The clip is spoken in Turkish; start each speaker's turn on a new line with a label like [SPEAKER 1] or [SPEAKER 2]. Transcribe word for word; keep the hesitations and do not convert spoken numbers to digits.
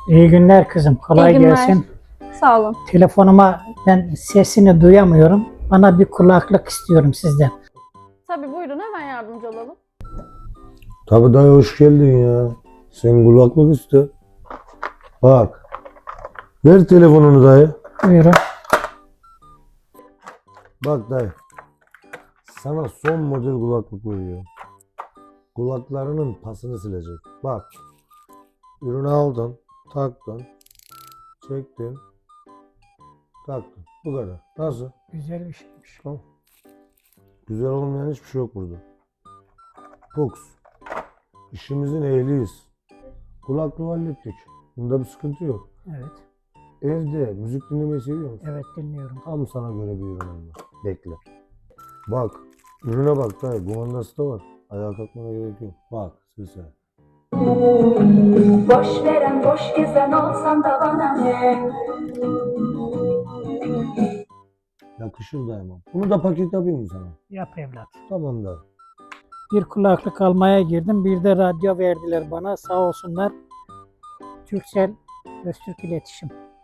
[SPEAKER 1] İyi günler kızım. Kolay
[SPEAKER 2] İyi günler.
[SPEAKER 1] gelsin.
[SPEAKER 2] Sağ olun.
[SPEAKER 1] Telefonuma ben sesini duyamıyorum. Bana bir kulaklık istiyorum sizden.
[SPEAKER 2] Tabii buyurun, hemen yardımcı olalım.
[SPEAKER 3] Tabii dayı hoş geldin ya. Sen kulaklık iste. Bak. Ver telefonunu dayı.
[SPEAKER 1] Buyurun.
[SPEAKER 3] Bak dayı. Sana son model kulaklık veriyor. Kulaklarının pasını silecek. Bak. Ürünü aldın. Taktın. Çektin. Taktın. Bu kadar. Nasıl?
[SPEAKER 1] Güzel bir şeymiş.
[SPEAKER 3] Tamam. Güzel olmayan hiçbir şey yok burada. Fox. İşimizin ehliyiz. Kulaklığı hallettik. Bunda bir sıkıntı yok.
[SPEAKER 1] Evet.
[SPEAKER 3] Evde müzik dinlemeyi seviyor musun?
[SPEAKER 1] Evet dinliyorum.
[SPEAKER 3] Tam sana göre bir ürün var. Bekle. Bak. Ürüne bak dayı. Kumandası da var. Ayağa kalkmana gerek yok. Bak sese.
[SPEAKER 4] Boş veren boş gezen olsam da bana ne?
[SPEAKER 3] Yakışır daima. Bunu da paket yapayım mı sana?
[SPEAKER 1] Yap evlat.
[SPEAKER 3] Tamam da.
[SPEAKER 1] Bir kulaklık almaya girdim. Bir de radyo verdiler bana. Sağ olsunlar. Türksel Öztürk İletişim.